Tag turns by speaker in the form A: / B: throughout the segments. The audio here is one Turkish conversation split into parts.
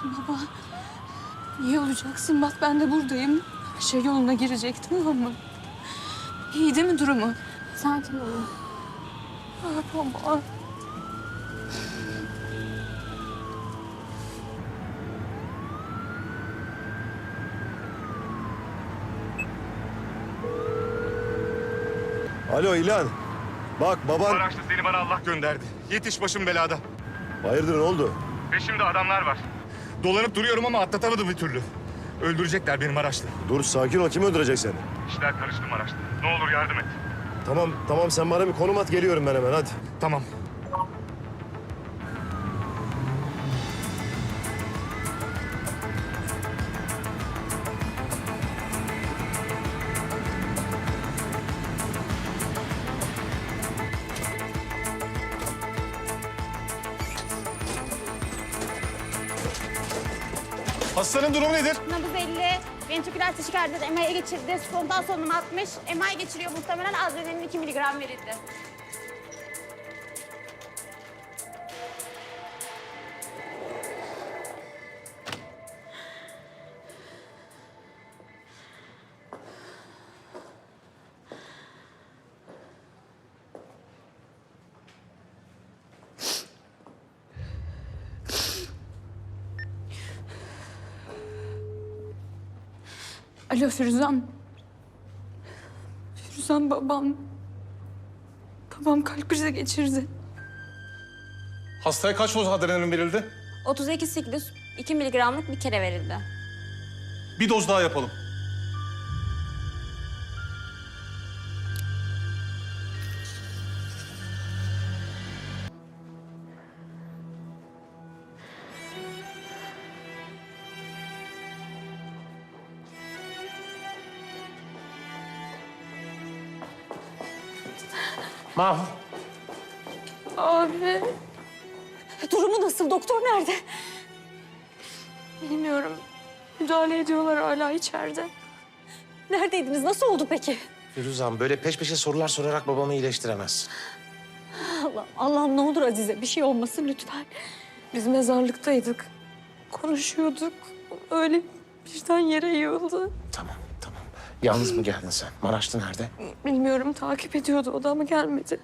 A: Baba, iyi olacaksın. Bak ben de buradayım. Her şey yoluna girecek, tamam mı? İyi değil mi durumu?
B: Sakin olun.
A: Ah baba.
C: Alo İlhan. Bak baban...
D: Maraşlı seni bana Allah gönderdi. Yetiş, başım belada.
C: Hayırdır, ne oldu?
D: Peşimde adamlar var. Dolanıp duruyorum ama atlatamadım bir türlü. Öldürecekler beni Maraşlı.
C: Dur sakin ol, kim öldürecek seni?
D: İşler karıştı Maraşlı. Ne olur yardım et.
C: Tamam sen bana bir konum at, geliyorum ben hemen hadi.
D: Tamam.
C: Hastanın durumu nedir?
B: Nabız 50, ventriküler taşikardi, MI'ye geçirdi. Spontan solunum 60, MI geçiriyor muhtemelen adrenalin 2 miligram verildi.
A: Alo Firuzan. Firuzan babam. Babam kalp krizi geçirdi.
E: Hastaya kaç doz adrenalin verildi?
B: 32 siklus, 2 miligramlık bir kere verildi.
E: Bir doz daha yapalım.
F: Mahmut.
A: Abi.
B: Durumu nasıl? Doktor nerede?
A: Bilmiyorum. Müdahale ediyorlar hala içeride.
B: Neredeydiniz? Nasıl oldu peki?
F: Firuzan, böyle peş peşe sorular sorarak babamı iyileştiremezsin.
B: Allah'ım ne olur Azize bir şey olmasın lütfen.
A: Biz mezarlıktaydık. Konuşuyorduk. Öyle birden yere yığıldı.
F: Tamam. Yalnız mı geldin sen? Maraşlı nerede?
A: Bilmiyorum, takip ediyordu o da ama gelmedi.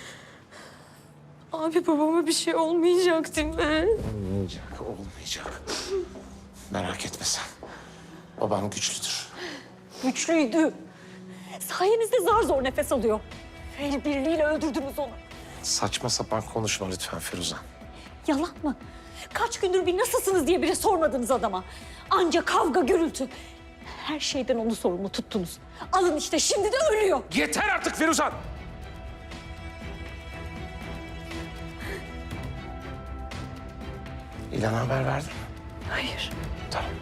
A: Abi babama bir şey olmayacak değil mi?
F: Olmayacak. Merak etme sen. Babam güçlüdür.
B: Güçlüydü. Sayenizde zar zor nefes alıyor. El birliğiyle öldürdünüz onu.
F: Saçma sapan konuşma lütfen Firuzan.
B: Yalan mı? Kaç gündür bir nasılsınız diye bile sormadınız adama. Anca kavga, gürültü. Her şeyden onu sorumlu tuttunuz. Alın işte şimdi de ölüyor.
F: Yeter artık Firuzan! İlhan'a haber verdin mi?
A: Hayır.
F: Tamam.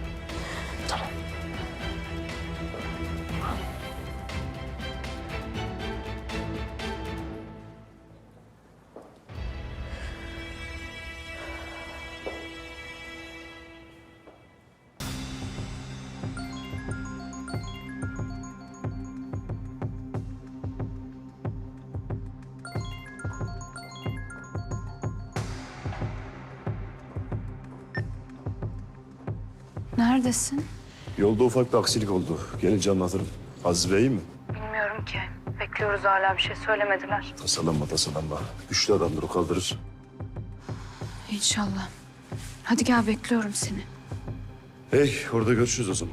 A: Neredesin?
C: Yolda ufak bir aksilik oldu. Gelince anlatırım. Aziz Bey iyi mi?
A: Bilmiyorum ki. Bekliyoruz hala bir şey söylemediler.
C: Tasalanma. Güçlü adamdır, o kaldırır.
A: İnşallah. Hadi gel bekliyorum seni.
C: Hey, orada görüşürüz o zaman.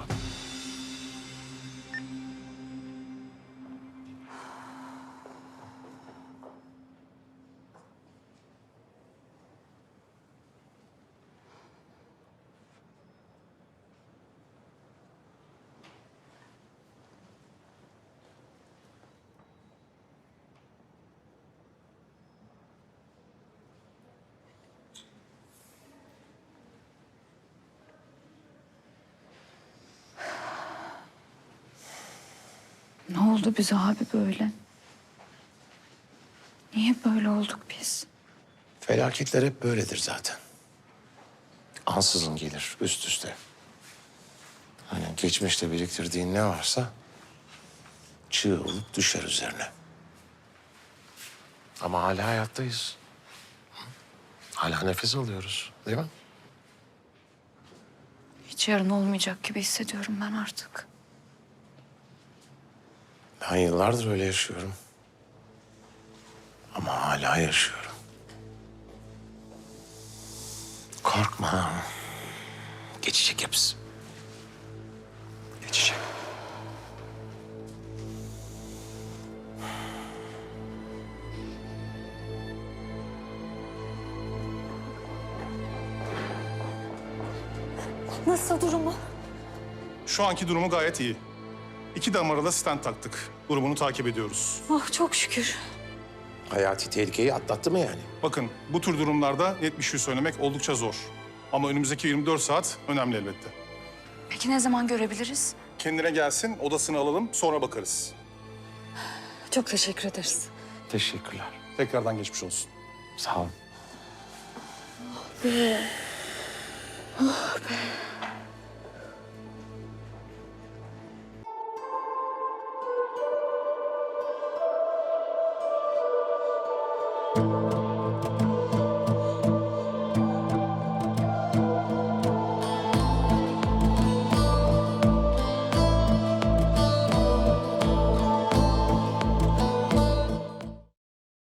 A: Ne oldu bize abi böyle? Niye böyle olduk biz?
F: Felaketler hep böyledir zaten. Ansızın gelir, üst üste. Hani geçmişte biriktirdiğin ne varsa çığ olup düşer üzerine. Ama hala hayattayız. Hala nefes alıyoruz, değil mi?
A: Hiç yarın olmayacak gibi hissediyorum ben artık.
F: Ben yıllardır öyle yaşıyorum. Ama hala yaşıyorum. Korkma. Geçecek hepsi. Geçecek.
B: Nasıl durumu?
E: Şu anki durumu gayet iyi. 2 damara da stent taktık. Durumunu takip ediyoruz.
B: Oh çok şükür.
F: Hayati tehlikeyi atlattı mı yani?
E: Bakın bu tür durumlarda net bir şey söylemek oldukça zor. Ama önümüzdeki 24 saat önemli elbette.
A: Peki ne zaman görebiliriz?
E: Kendine gelsin, odasını alalım, sonra bakarız.
B: Çok teşekkür ederiz.
F: Teşekkürler.
E: Tekrardan geçmiş olsun.
F: Sağ olun.